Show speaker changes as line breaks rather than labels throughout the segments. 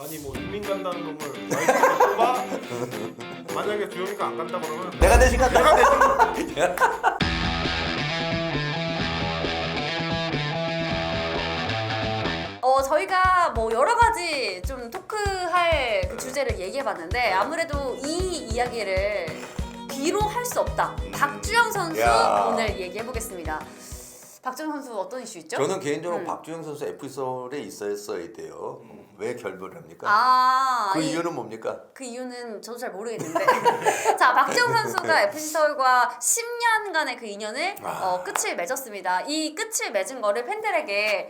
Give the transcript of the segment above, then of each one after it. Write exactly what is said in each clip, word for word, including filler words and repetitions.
아니 뭐 이민 간다는 놈을 와이프가 뽑아? 만약에 주영이가 안 간다 그러면
내가 대신 간다.
내가 대신
어 저희가 뭐 여러 가지 좀 토크할 그 주제를 얘기해봤는데 아무래도 이 이야기를 비로 할 수 없다. 박주영 선수
야.
오늘 얘기해보겠습니다. 박주영 선수 어떤 이슈 있죠?
저는 개인적으로
음.
박주영 선수 에프씨 서울에 있었어야 돼요. 왜 결별을 합니까?
아,
그
이-
이유는 뭡니까?
그 이유는 저도 잘 모르겠는데 자 박주영 선수가 에프씨 서울과 십 년간의 그 인연을
아.
어, 끝을 맺었습니다. 이 끝을 맺은 거를 팬들에게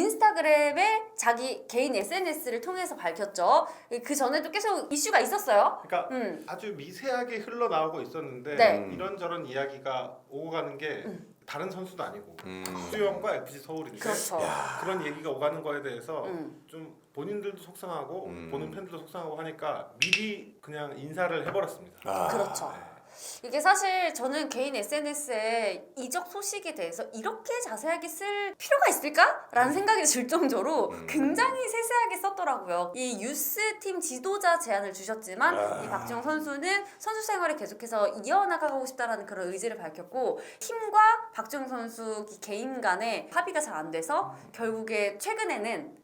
인스타그램에 자기 개인 에스엔에스를 통해서 밝혔죠. 그 전에도 계속 이슈가 있었어요.
그러니까
음.
아주 미세하게 흘러나오고 있었는데
네.
이런저런 이야기가 오고 가는 게 다른 선수도 아니고
음.
박주영과 에프씨 서울인데
그렇죠.
야.
그런 얘기가 오가는 거에 대해서
음.
좀 본인들도 속상하고
음.
보는 팬들도 속상하고 하니까 미리 그냥 인사를 해버렸습니다.
아.
그렇죠. 이게 사실 저는 개인 에스엔에스에 이적 소식에 대해서 이렇게 자세하게 쓸 필요가 있을까라는 생각이 들 정도로
음.
굉장히 세세하게 썼더라고요. 이 유스팀 지도자 제안을 주셨지만
아.
이 박주영 선수는 선수 생활을 계속해서 이어나가고 싶다라는 그런 의지를 밝혔고 팀과 박주영 선수 개인 간에 합의가 잘 안 돼서 결국에 최근에는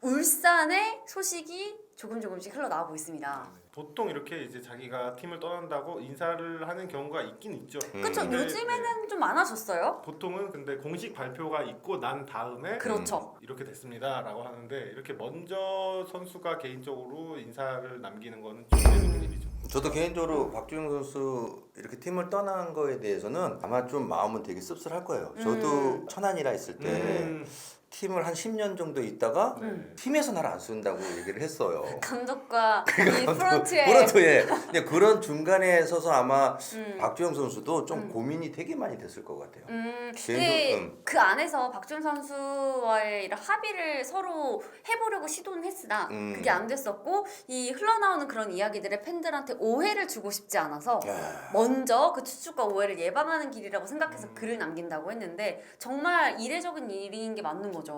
울산의 소식이 조금 조금씩 흘러나오고 있습니다.
보통 이렇게 이제 자기가 팀을 떠난다고 인사를 하는 경우가 있긴 있죠.
음.
그렇죠.
근데,
요즘에는 좀 많아졌어요.
보통은 근데 공식 발표가 있고 난 다음에
그렇죠.
이렇게 됐습니다라고 하는데 이렇게 먼저 선수가 개인적으로 인사를 남기는 거는 좀 이례적인 일이죠.
저도 개인적으로 박주영 선수 이렇게 팀을 떠난 거에 대해서는 아마 좀 마음은 되게 씁쓸할 거예요. 저도
음.
천안이라 있을 때
음.
팀을 한 십 년 정도 있다가
네.
팀에서 나를 안 쓴다고 얘기를 했어요.
감독과 이 프런트에
프런트에. 근데 그런 중간에 서서 아마
음.
박주영 선수도 좀
음.
고민이 되게 많이 됐을 것 같아요.
음,
개인적-
근데
음.
그 안에서 박주영 선수와의 이런 합의를 서로 해보려고 시도는 했으나
음.
그게 안 됐었고 이 흘러나오는 그런 이야기들에 팬들한테 오해를 주고 싶지 않아서
야.
먼저 그 추측과 오해를 예방하는 길이라고 생각해서
음.
글을 남긴다고 했는데 정말 이례적인 일인 게 맞는 거죠.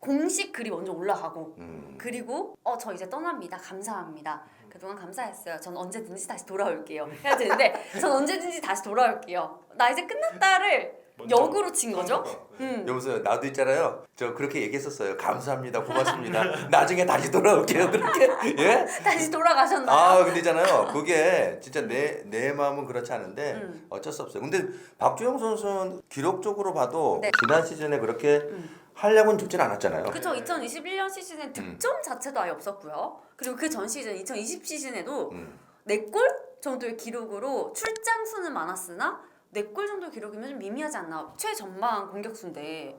공식 글이 먼저 올라가고
음.
그리고 어 저 이제 떠납니다. 감사합니다. 그동안 감사했어요. 전 언제든지 다시 돌아올게요. 해야 되는데 전 언제든지 다시 돌아올게요. 나 이제 끝났다를
먼저
역으로 친 거죠.
선수가, 네.
음.
여보세요. 나도 있잖아요. 저 그렇게 얘기했었어요. 감사합니다. 고맙습니다. 나중에 다시 돌아올게요. 그렇게. 예?
다시 돌아가셨나요?
아, 근데 있잖아요. 그게 진짜 내, 내 마음은 그렇지 않은데
음.
어쩔 수 없어요. 근데 박주영 선수는 기록적으로 봐도
네.
지난 시즌에 그렇게
음.
활약은 죽진 않았잖아요.
그쵸. 이천이십일 년 시즌에
음.
득점 자체도 아예 없었고요. 그리고 그 전 시즌 이천이십 시즌에도
음.
네 골 정도의 기록으로 출장 수는 많았으나 네 골 정도의 기록이면 좀 미미하지 않나. 최전방 공격수인데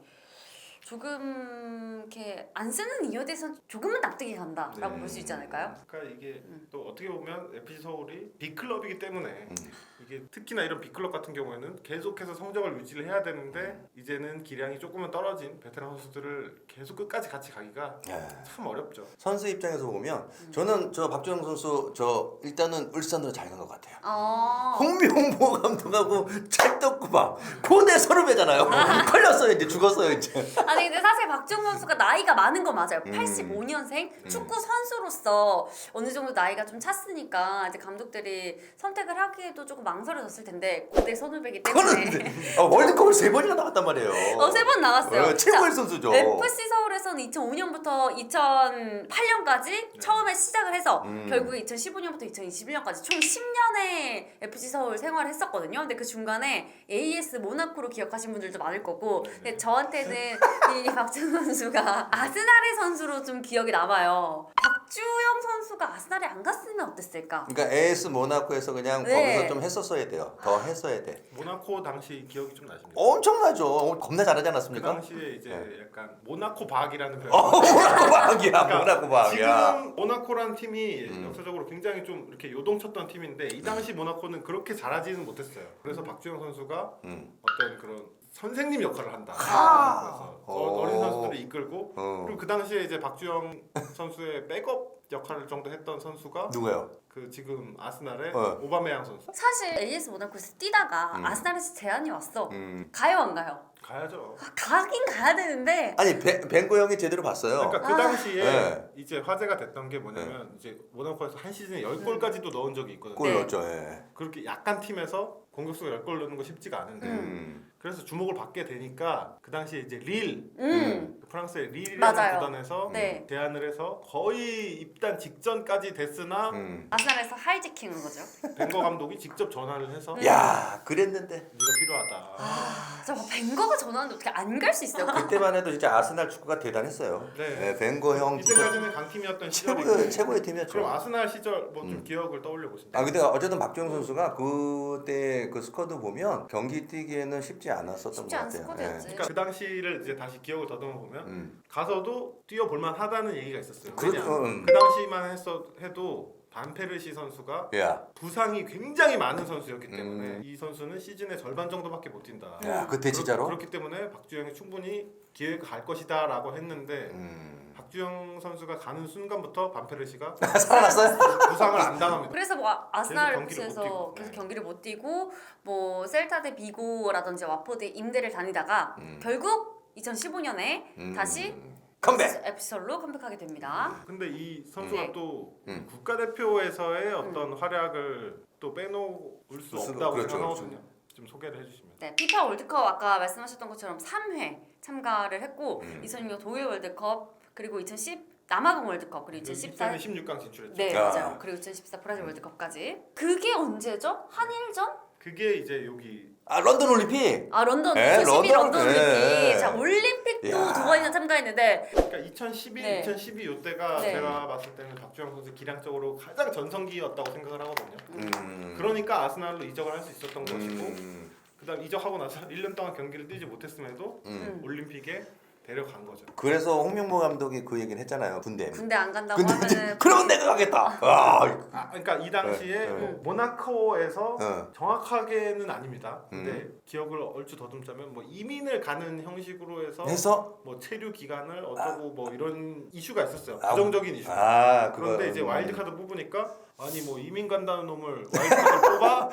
조금 이렇게 안 쓰는 이유에 대해서는 조금은 납득이 간다라고
네.
볼 수 있지 않을까요?
그러니까 이게
음.
또 어떻게 보면 에프씨 서울이 빅클럽이기 때문에
음.
이게 특히나 이런 빅클럽 같은 경우에는 계속해서 성적을 유지를 해야 되는데 이제는 기량이 조금은 떨어진 베테랑 선수들을 계속 끝까지 같이 가기가
야.
참 어렵죠.
선수 입장에서 보면
음.
저는 저 박주영 선수 저 일단은 울산으로 잘 간 것 같아요.
어.
홍명보 감독하고 찰떡구방 고대 서름이잖아요. 걸렸어요. 이제 죽었어요. 이제.
아니 근데 사실 박주영 선수가 나이가 많은 건 맞아요.
음.
팔십오 년생
음.
축구 선수로서 어느 정도 나이가 좀 찼으니까 이제 감독들이 선택을 하기에도 조금 망설여졌을 텐데 고대 선후배기 때문에
그거는 어, 월드컵을 세 번이나 나갔단 말이에요.
어, 세 번 나갔어요.
어, 최고의
자,
선수죠.
에프씨 서울에서는 이천오 년부터 이천팔 년까지 처음에 시작을 해서
음.
결국에 이천십오 년부터 이천이십일 년까지 총 십 년의 에프씨 서울 생활을 했었거든요. 근데 그 중간에 에이에스 모나코로 기억하신 분들도 많을 거고 근데 저한테는 이 박주영 선수가 아스날의 선수로 좀 기억이 남아요. 박주영 선수가 아스날에 안 갔으면 어땠을까?
그러니까 에이에스 모나코에서 그냥
네.
거기서 좀 했었어야 돼요. 더 했어야 돼.
모나코 당시 기억이 좀 나십니까?
엄청나죠. 어, 겁나 잘하지
그
않았습니까?
당시에 이제
네.
약간 모나코 박이라는 표현.
어, 모나코 박이야.
그러니까
모나코 박이야.
지금 모나코란 팀이
음.
역사적으로 굉장히 좀 이렇게 요동쳤던 팀인데 이 당시 모나코는 그렇게 잘하지는 못했어요. 그래서 박주영 선수가
음.
어떤 그런 선생님 역할을 한다.
아.
그래서
어.
어린 선수들을 이끌고
어.
그리고 그 당시에 이제 박주영 선수의 백업 역할을 정도 했던 선수가
누구요?
그 지금 아스날의
어.
오바메양 선수.
사실 에이에스 모나코에서 뛰다가
음.
아스날에서 제안이 왔어.
음.
가요 안 가요?
가야죠.
가긴 가야 되는데
아니 벤- 벤고 형이 제대로 봤어요.
그러니까 그
아.
당시에
네.
이제 화제가 됐던 게 뭐냐면 이제 모나코에서 한 시즌에 십 골까지도 넣은 적이 있거든요.
골
네.
넣었죠. 예.
그렇게 약간 팀에서 공격수가 십 골 넣는 거 쉽지가 않은데
음.
그래서 주목을 받게 되니까 그 당시에 이제 릴
음.
프랑스의 릴이라는
맞아요.
구단에서
네.
제안을 해서 거의 입단 직전까지 됐으나
음.
아스날에서 하이지킹한 거죠.
벵거 감독이 직접 전화를 해서
음.
야 그랬는데
네가 필요하다.
아, 저 벵거가 전화하는데 어떻게 안 갈 수 있어요?
그때만 해도 진짜 아스날 축구가 대단했어요.
네.
네, 벤고 형 진짜
이때까지는 강팀이었던 시절이고
최고의 최고의 팀이었죠.
그럼 아스날 시절 뭐 좀
음.
기억을 떠올려 보시면
아 근데 어쨌든 박주영 선수가 그때 그 스쿼드 보면 경기 뛰기에는 쉽지 않았었던
쉽지
것
않은
같아요.
스쿼드였지.
그러니까 그 당시를 이제 다시 기억을 더듬어 보면
음.
가서도 뛰어볼만 하다는 얘기가 있었어요.
그렇죠.
왜냐?
음.
그 당시만 했어 해도 반페르시 선수가
야,
부상이 굉장히 많은 선수였기 때문에
음.
이 선수는 시즌의 절반 정도밖에 못 뛴다.
야 그때 진짜로?
그렇, 기 때문에 박주영이 충분히 기회가 갈 것이다라고 했는데
음.
박주영 선수가 가는 순간부터 반페르시가
살아났어요?
부상을 안 당합니다.
그래서 뭐 아- 아스날
경기를 못
에프씨에서
뛰고.
계속
네.
경기를 못 뛰고 뭐 셀타 데 비고라든지 와포드 임대를 다니다가
음.
결국 이천십오 년에
음.
다시
컴백.
에피솔로 컴백하게 됩니다.
근데 이 선수가
네.
또
음.
국가대표에서의 어떤 활약을 또 빼놓을 수
그렇죠,
없다고
그렇죠,
생각하거든요. 좀 소개를 해주시면.
네, 피파 월드컵 아까 말씀하셨던 것처럼 삼 회 참가를 했고
음.
이천육 년 독일 월드컵 그리고 이천십 남아공 월드컵 그리고 이천십사
이때는 십육 강 진출했죠.
네
아.
맞아요. 그리고 이천십사 브라질 월드컵까지 그게 언제죠? 한일전?
그게 이제 여기
아 런던 올림픽.
아 런던
에,
이천십이
런던,
런던 올림픽.
예.
자 올림픽도
야.
두 번이나 참가했는데
그러니까 이천십일,
네.
이천십이 이때가
네.
제가 봤을 때는 박주영 선수 기량적으로 가장 전성기였다고 생각을 하거든요.
음.
그러니까 아스날로 이적을 할 수 있었던 것이고
음.
그다음 이적하고 나서 일 년 동안 경기를 뛰지 못했음에도
음.
올림픽에 데려간 거죠.
그래서 홍명보 감독이 그 얘기는 했잖아요. 군대.
군대 안 간다고
근데
하면은
그러면 내가 가겠다. 아.
아, 그러니까 이 당시에
네, 네.
뭐 모나코에서
어.
정확하게는 아닙니다. 근데
음.
기억을 얼추 더듬자면 뭐 이민을 가는 형식으로 해서
해서
뭐 체류 기간을 어쩌고 뭐 이런 이슈가 있었어요.
아,
부정적인 이슈.
아 그거.
그런데 이제 와일드카드 뽑으니까 아니 뭐 이민 간다는 놈을 와일드카드 뽑아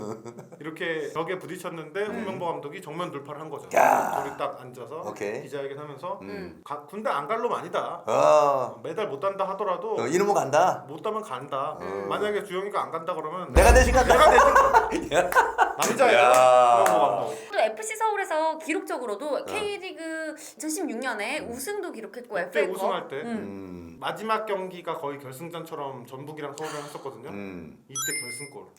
이렇게 벽에 부딪혔는데 홍명보 감독이 정면 돌파를 한 거죠.
음. 야.
둘이 딱 앉아서
오케이.
기자회견하면서
음.
가- 군대 안 갈 놈 아니다.
어.
메달 못 단다 하더라도
어, 이놈은 간다.
못 따면 간다.
음.
만약에 주영이가 안 간다 그러면
내가 대신 간다.
내가 대신 간다. 남자예요.
야.
홍명보 감독.
또 에프씨 서울에서 기록적으로도
어.
K리그 이천십육 년에 우승도 기록했고
그때
에프에이컵
우승할 때
음.
음.
마지막 경기가 거의 결승전처럼 전북이랑 서울이랑 했었거든요.
음.
이때 결승골.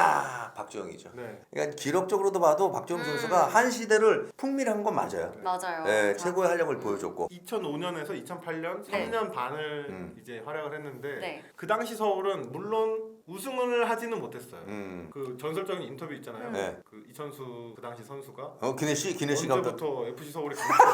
캬 박주영이죠.
네.
그러니까 기록적으로도 봐도 박주영
음.
선수가 한 시대를 풍미한 건 맞아요.
맞아요.
네,
자,
최고의 활약을 보여줬고.
이천오 년에서 이천팔 년
네.
삼 년 반을
음.
이제 활약을 했는데
네.
그 당시 서울은 물론 우승을 하지는 못했어요.
음.
그 전설적인 인터뷰 있잖아요.
음.
네.
그 이천수 그 당시 선수가
어 기네시 기네시 감독.
언제부터 에프씨 서울이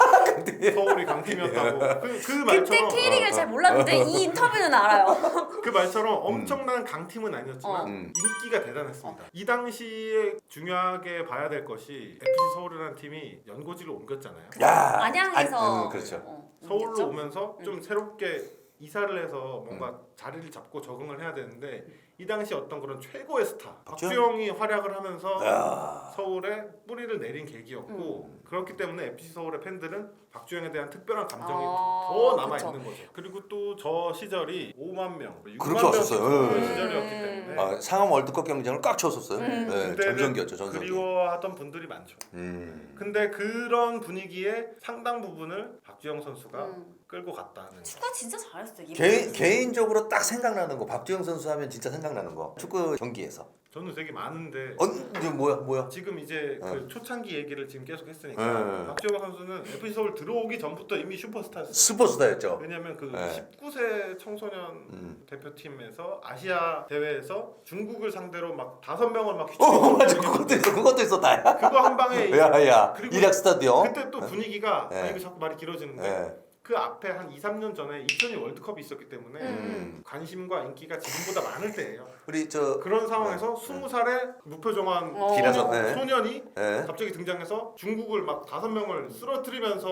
강, 서울이 강팀이었다고 그, 그
그때
말처럼
K리그를
어,
잘
어.
몰랐는데 이 인터뷰는 알아요.
그 말처럼 엄청난 강팀은 아니었지만
어.
음.
인기가 대단했습니다. 이 당시에 중요하게 봐야 될 것이 에프씨 서울이라는 팀이 연고지로 옮겼잖아요.
야.
안양에서
안- 음, 그렇죠.
어,
서울로
옮겼죠?
오면서 좀 새롭게 이사를 해서 뭔가 자리를 잡고 적응을 해야 되는데 이 당시 어떤 그런 최고의 스타
박주영?
박주영이 활약을 하면서
야.
서울에 뿌리를 내린 계기였고 그렇기 때문에 에프씨 서울의 팬들은 박주영에 대한 특별한 감정이
아,
더 남아
그쵸.
있는 거죠. 그리고 또 저 시절이 오만 명, 육만
그렇게
명씩
왔었어요.
보는
음.
시절이었기 때문에
아, 상암 월드컵 경기장을 꽉 채웠었어요.
음.
네,
그때는
전성기였죠, 전성기.
그리워하던 분들이 많죠.
음.
근데 그런 분위기에 상당 부분을 박주영 선수가
음.
끌고 갔다는 거.
축구 진짜 잘했어. 이
개인 개인적으로 딱 생각나는 거 박주영 선수 하면 진짜 생각나는 거 축구 경기에서.
저는 되게 많은데
어, 이제 뭐야, 뭐야?
지금 이제
어.
그 초창기 얘기를 지금 계속 했으니까
네.
박주영 선수는 에프씨 서울 들어오기 전부터 이미 슈퍼스타였어요.
슈퍼스타였죠.
왜냐면 그
네.
십구 세 청소년
음.
대표팀에서 아시아 대회에서 중국을 상대로 막 다섯 명을 막
어,
휘두르고
맞아, 그것도 있어, 그것도 있었다.
그거 한 방에
야, 야,
그리고
이락 스타디움.
그때 또 분위기가
네.
아 이거 자꾸 말이 길어지는데
네.
그 앞에 한 이, 삼 년 전에 이천이 월드컵이 있었기 때문에
음.
관심과 인기가 지금보다 많을 때예요.
우리 저
그런 상황에서 스무 살의 무표정한
어.
길어서, 네.
소년이
네.
갑자기 등장해서 중국을 막 다섯 명을 쓰러뜨리면서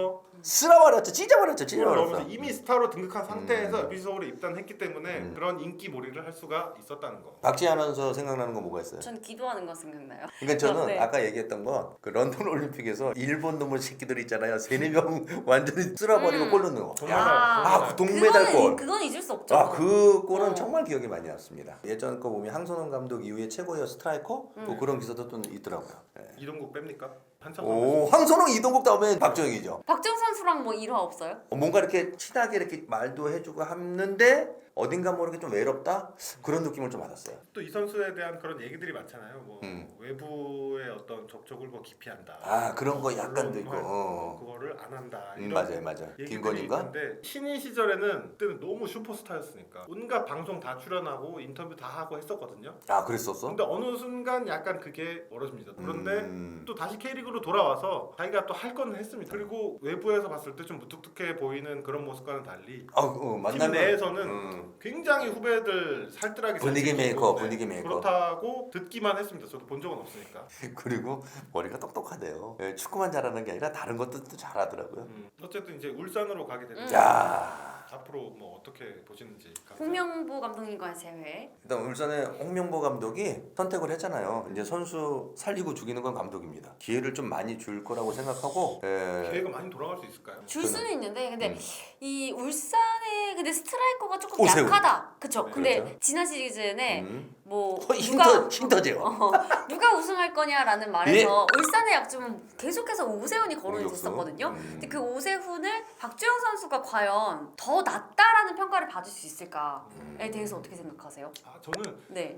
쓸어버렸죠, 찢어버렸죠, 찢어버렸어.
그러면서 이미 스타로 등극한 상태에서
음.
에프씨 서울에 입단했기 때문에
음.
그런 인기 몰이를 할 수가 있었다는 거.
박지희 아나운서 생각나는 거 뭐가 있어요?
전 기도하는 거 생각나요.
그러니까 저는
네.
아까 얘기했던 건 그 런던 올림픽에서 일본 놈의 새끼들 있잖아요. 세네 명 완전히 쓸어버리고
음.
골 넣는 거.
정말
아, 그 동메달
그거는
골.
그건 잊을 수 없죠.
아, 그 골은
어.
정말 기억에 많이 남습니다. 예전 거 보면 황선홍 감독 이후에 최고의 스트라이커
음.
뭐 그런 기사도 또 있더라고요. 예.
이동국 뺍니까? 한참
오, 황선홍 이동국 다음에 박정희죠.
박정 선수랑 뭐 일화 없어요?
어, 뭔가 이렇게 친하게 이렇게 말도 해주고 하는데 어딘가 모르게 좀 외롭다 그런 느낌을 좀 받았어요.
또 이 선수에 대한 그런 얘기들이 많잖아요. 뭐
음.
외부의 어떤 접촉을 뭐 기피한다.
아, 그런 거 약간도
그런
있고.
말,
어.
그거를 안 한다.
음,
이런
맞아요, 맞아요.
얘기들이
김건희인가?
있는데 신인 시절에는 그때는 너무 슈퍼스타였으니까 온갖 방송 다 출연하고 인터뷰 다 하고 했었거든요.
아, 그랬었어?
근데 어느 순간 약간 그게 멀어집니다. 그런데
음.
또 다시 K리그로 돌아와서 자기가 또 할 거는 했습니다. 그리고 외부에서 봤을 때 좀 무뚝뚝해 보이는 그런 모습과는 달리
아, 어,
팀
만나면
내에서는
음.
굉장히 후배들 살뜰하게
분위기
잘 지키고,
메이커,
네,
분위기 메이커.
그렇다고 듣기만 했습니다. 저도 본 적은 없으니까.
그리고 머리가 똑똑하대요. 예, 축구만 잘하는 게 아니라 다른 것도 또 잘하더라고요.
음, 어쨌든 이제 울산으로 가게 되는데
음.
야,
앞으로 뭐 어떻게 보시는지.
홍명보 감독님과의 재회.
일단 울산의 홍명보 감독이 선택을 했잖아요. 이제 선수 살리고 죽이는 건 감독입니다. 기회를 좀 많이 줄 거라고 생각하고. 예.
기회가 많이 돌아갈 수 있을까요?
줄 수는 있는데 근데
음.
이 울산의 근데 스트라이커가 조금
오세훈.
약하다. 그쵸?
네,
근데
그렇죠.
지난 시즌에
음.
뭐
어, 힘
누가
터 힘터제요.
어, 누가 우승할 거냐라는 말에서 울산의 약점은 계속해서 오세훈이 거론이
공격수.
됐었거든요.
음.
근데 그 오세훈을 박주영 선수가 과연 더 낫다라는 평가를 받을 수 있을까에
음.
대해서 어떻게 생각하세요?
아 저는
네.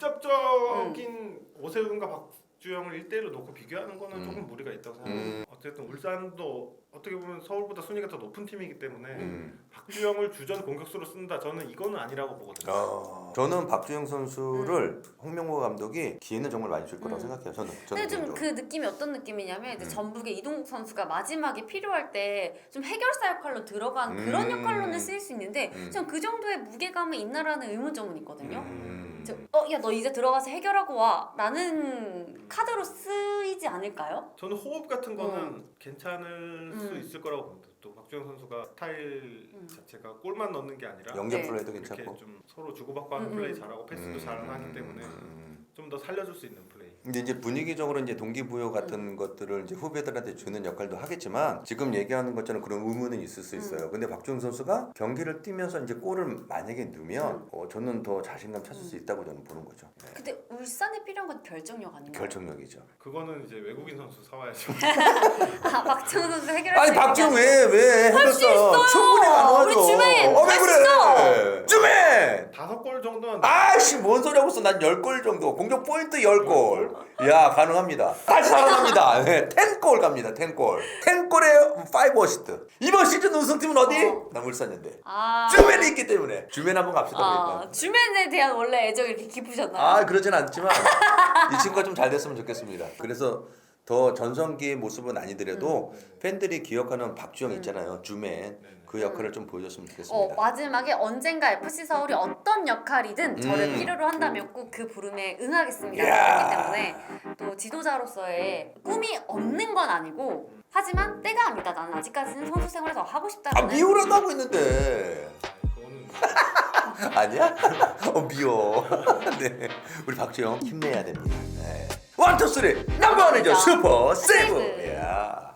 직접적인 오세훈과 박주영을 일 대일로 놓고 비교하는 거는
음.
조금 무리가 있다고 생각해요.
음.
어쨌든 울산도 어떻게 보면 서울보다 순위가 더 높은 팀이기 때문에
음.
박주영을 주전 공격수로 쓴다. 저는 이거는 아니라고 보거든요.
어, 저는 박주영 선수를 홍명보 감독이 기회는 정말 많이 줄 거라고
음.
생각해요. 저는. 저는
근데 좀
개인적으로.
그 느낌이 어떤 느낌이냐면 이제
음.
전북의 이동국 선수가 마지막에 필요할 때 좀 해결사 역할로 들어간
음.
그런 역할로는 쓰일 수 있는데
음.
전 그 정도의 무게감이 있나라는 의문점은 있거든요.
음.
어, 야, 너 이제 들어가서 해결하고 와. 라는 카드로 쓰이지 않을까요?
저는 호흡 같은 거는
어.
괜찮을 수
음.
있을 거라고 봅니다. 또 박주영 선수가 스타일
음.
자체가 골만 넣는 게 아니라
연결
네.
플레이도
이렇게
괜찮고.
좀 서로 주고받고 하는
음,
플레이
음.
잘하고 패스도
음,
잘하기 때문에
음.
좀 더 살려줄 수 있는 플레이.
근데 이제 분위기적으로 이제 동기부여 같은 것들을 이제 후배들한테 주는 역할도 하겠지만 지금 얘기하는 것처럼 그런 의문은 있을 수 있어요. 근데 박주영 선수가 경기를 뛰면서 이제 골을 만약에 넣으면
음.
어, 저는 더 자신감 찾을 수 있다고 저는 보는 거죠. 네.
근데 울산에 필요한 건 결정력 아닌가요?
결정력이죠.
그거는 이제 외국인 선수 사와야죠.
아, 박정우 선수 해결할
아니
수 있는
박주영
게
왜왜
할수 있어요.
충분히 가능하죠.
우리 주맨
어, 왜
할수
그래? 주맨.
다섯 골 정도는
아씨 뭔 소리 하고 있어. 난 열 골 정도. 공격 포인트 열 골. 야 가능합니다. 다시 살아납니다. 네, 십 골 갑니다. 십 골. 십 골에 오 어시스트. 이번 시즌 우승팀은 어디?
어.
나 울산인데.
아,
주맨이 있기 때문에. 주맨 한번 갑시다.
아,
그러니까.
주맨에 대한 원래 애정이 이렇게 깊으셨나요?
아 그러진 않지만 이 친구가 좀 잘 됐으면 좋겠습니다. 그래서 더 전성기의 모습은 아니더라도
음.
팬들이 기억하는 박주영
음.
있잖아요. 주맨.
네네.
그 역할을 좀 보여줬으면
어,
좋겠습니다.
마지막에 언젠가 에프씨 서울이 어떤 역할이든 저를
음.
필요로 한다면 꼭 그 부름에 응하겠습니다.
이야.
그렇기 때문에 또 지도자로서의 꿈이 없는 건 아니고 하지만 때가 아니다. 나는 아직까지는 선수 생활을 더 하고
아
싶다는
미워라고 하고 있는데
그거는
아니야? 어 미워. 네, 우리 박주영 힘내야 됩니다. 네. 원, 투, 쓰리 넘버 원이죠. 슈퍼 세븐.
세븐.
야.